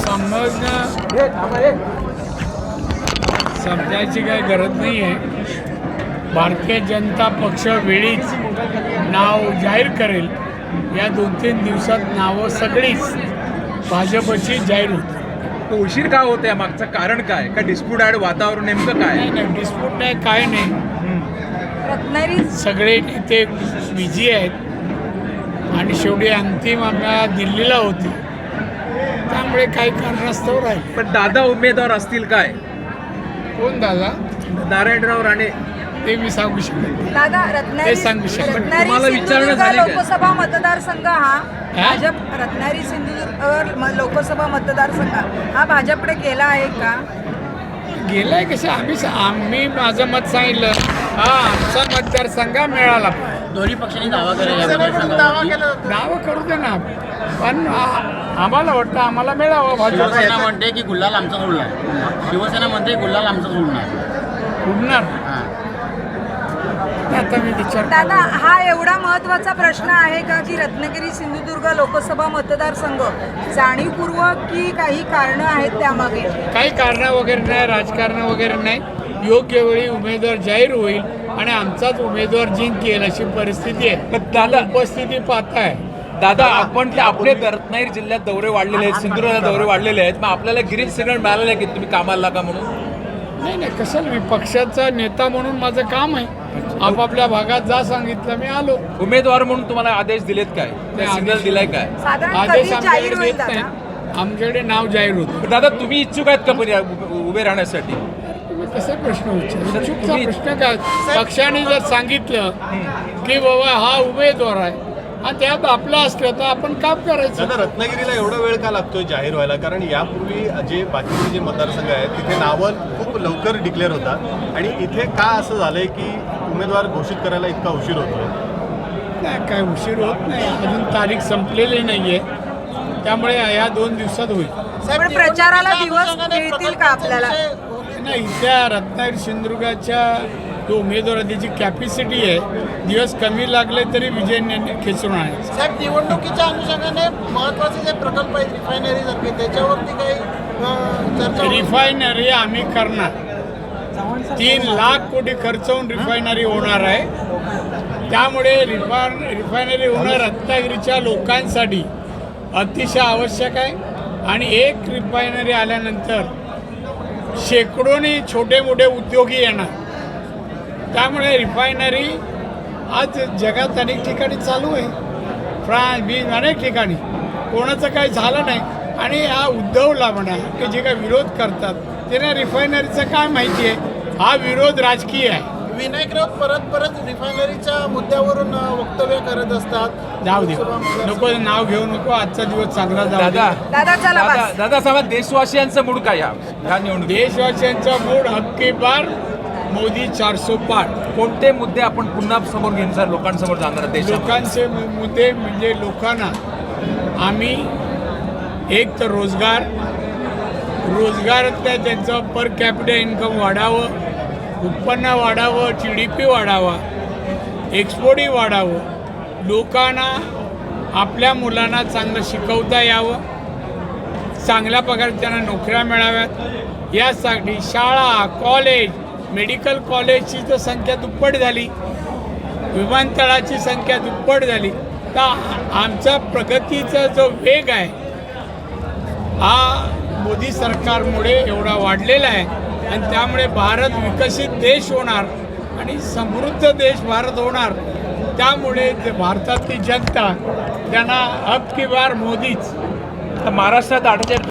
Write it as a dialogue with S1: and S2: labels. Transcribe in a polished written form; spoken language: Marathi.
S1: समजायची काही गरज नाही आहे. भारतीय जनता पक्ष वेळीच नाव जाहीर करेल. या 2-3 दिवसात नावं सगळीच भाजपची जाहीर होती.
S2: उशीर का होत आहे? मागचं कारण काय? का डिस्प्यूट आहे? वातावरण नेमकं काय?
S1: नाही डिस्प्यूट नाही, काय नाही.
S3: रत्नागिरी
S1: सगळे नेते बिझी आहेत आणि शेवटी अंतिम आम्हाला दिल्लीला होती, त्यामुळे काही कारणास्तव राहील.
S2: पण दादा उमेदवार असतील काय?
S1: कोण दादा?
S2: नारायणराव राणे.
S1: ते मी सांगू शकत नाही.
S3: दादा
S1: ते सांगू शकत.
S2: तुम्हाला विचारणं
S3: सिंधुदुर्ग
S2: झाली काय?
S3: लोकसभा मतदारसंघ हा भाजप रत्नागिरी सिंधुदुर्ग लोकसभा मतदारसंघ हा भाजपकडे गेला आहे का?
S1: गेलाय कसं? आम्ही माझं मत सांगितलं. हा आमचा मतदारसंघ मिळाला.
S4: दोन्ही पक्षांनी दावा केला.
S1: नावं करू दे ना, पण आम्हाला वाटतं आम्हाला मिळावं.
S4: शिवसेना
S1: भाजप
S4: म्हणते की गुल्हाल आमचाच उडणार. शिवसेना म्हणते गुल्हाल आमचाच उडणार.
S1: उडणार.
S4: हां.
S1: आता मी विचार
S3: दादा, हा एवढा महत्त्वाचा प्रश्न आहे का की रत्नागिरी सिंधुदुर्ग लोकसभा मतदारसंघ जाणीवपूर्वक की काही कारणं आहेत त्यामागे?
S1: काही कारणं वगैरे नाही, राजकारण वगैरे नाही. योग्य वेळी उमेदवार जाहीर होईल आणि आमचाच उमेदवार जिंकेल अशी परिस्थिती आहे.
S2: पण दादा
S1: उपस्थिती पाहताय.
S2: दादा आपण आपले रत्नागिरी जिल्ह्यात दौरे वाढलेले आहेत, सिंधुदुर्गात दौरे वाढलेले आहेत. मग आपल्याला ग्रीन सिग्नल मिळालेलं आहे की तुम्ही कामाला लागा म्हणून?
S1: नाही कशाला, मी पक्षाचा नेता म्हणून माझं काम आहे. आपापल्या भागात जा सांगितलं, मी आलो.
S2: उमेदवार म्हणून तुम्हाला आदेश दिलेत काय? सिग्नल दिलाय काय?
S3: साधारण
S1: आदेश
S3: कधी जाहीर
S1: आमच्याकडे
S3: होईल
S1: येत
S3: दादा?
S1: नाही. आमच्याकडे नाव जाहीर होतं.
S2: दादा तुम्ही इच्छुक आहेत का पण उभे राहण्यासाठी?
S1: तुम्ही कसे प्रश्न विचारता? चुकीचा
S2: तुम्ही-
S1: प्रश्न काय? पक्षाने जर सांगितलं की बाबा हा उमेदवार आहे आणि त्यात आपला असलं तर आपण काम करायचं.
S5: दादा, रत्नागिरीला एवढा वेळ का लागतोय जाहीर व्हायला? कारण यापूर्वी जे बाकीचे जे मतदारसंघ आहेत तिथे नावं खूप लवकर डिक्लेअर होतात आणि इथे का असं झालंय की उमेदवार घोषित करायला इतका उशीर होतोय?
S1: नाही काय उशीर होत नाही, अजून तारीख संपलेली नाहीये, त्यामुळे या 2 दिवसात होईल.
S3: पण प्रचाराला दिवस मिळतील का आपल्याला?
S1: नाही, त्या रत्नागिरी सिंधुदुर्गाच्या जो उमेदवार त्याची कॅपॅसिटी आहे, दिवस कमी लागले तरी विजय खेचून आणायचं.
S6: साहेब, निवडणुकीच्या अनुषंगाने महत्वाचे जे प्रकल्प आहेत रिफायनरी सारखे त्याच्यावरती काही चर्चा होईल?
S1: रिफायनरी आम्ही करणार. 3 लाख कोटी खर्च होऊन रिफायनरी होणार आहे. त्यामुळे रिफायनरी होणं रत्नागिरीच्या लोकांसाठी अतिशय आवश्यक आहे. आणि एक रिफायनरी आल्यानंतर शेकडोनी छोटे मोठे उद्योगी येणार. त्यामुळे रिफायनरी आज जगात अनेक ठिकाणी चालू आहे, फ्रान्स अनेक ठिकाणी. कोणाचं काही झालं नाही. आणि हा उद्धवला म्हणा की जे काही विरोध करतात त्यांना रिफायनरीचं काय माहिती आहे? हा विरोध राजकीय आहे.
S6: विनायक राऊत परत रिफायनरीच्या मुद्द्यावरून वक्तव्य करत असतात.
S1: जाऊ दे, नको नाव घेऊ नको. आजचा दिवस चांगला जाऊ दे.
S3: दादा चला बस.
S2: दादा साहेब, देशवासियांचं मूड काय ह्या निवडणूक?
S1: देशवासियांचा मूड हक्की पार, मोदी 400 पार.
S2: कोणते मुद्दे आपण पुन्हा समोर घेऊन सर लोकांसमोर जाणार देशात?
S1: लोकांचे मुद्दे म्हणजे लोकांना आम्ही एक तर रोजगारातल्या त्यांचं पर कॅपिटल इन्कम वाढावं, उत्पन्न वाढावं, GDP वाढावा, एक्सपोर्टही वाढावं, लोकांना आपल्या मुलांना चांगलं शिकवता यावं, चांगल्या प्रकारे त्यांना नोकऱ्या मिळाव्यात, यासाठी शाळा, कॉलेज, मेडिकल कॉलेजची तर संख्या दुप्पट झाली, विमानतळाची संख्या दुप्पट झाली. तर आमचा प्रगतीचा जो वेग आहे हा मोदी सरकारमुळे एवढा वाढलेला आहे. आणि त्यामुळे भारत विकसित देश होणार आणि समृद्ध देश भारत होणार. त्यामुळे भारतातली जनता त्यांना अब की बार मोदीच.
S2: महाराष्ट्रात 48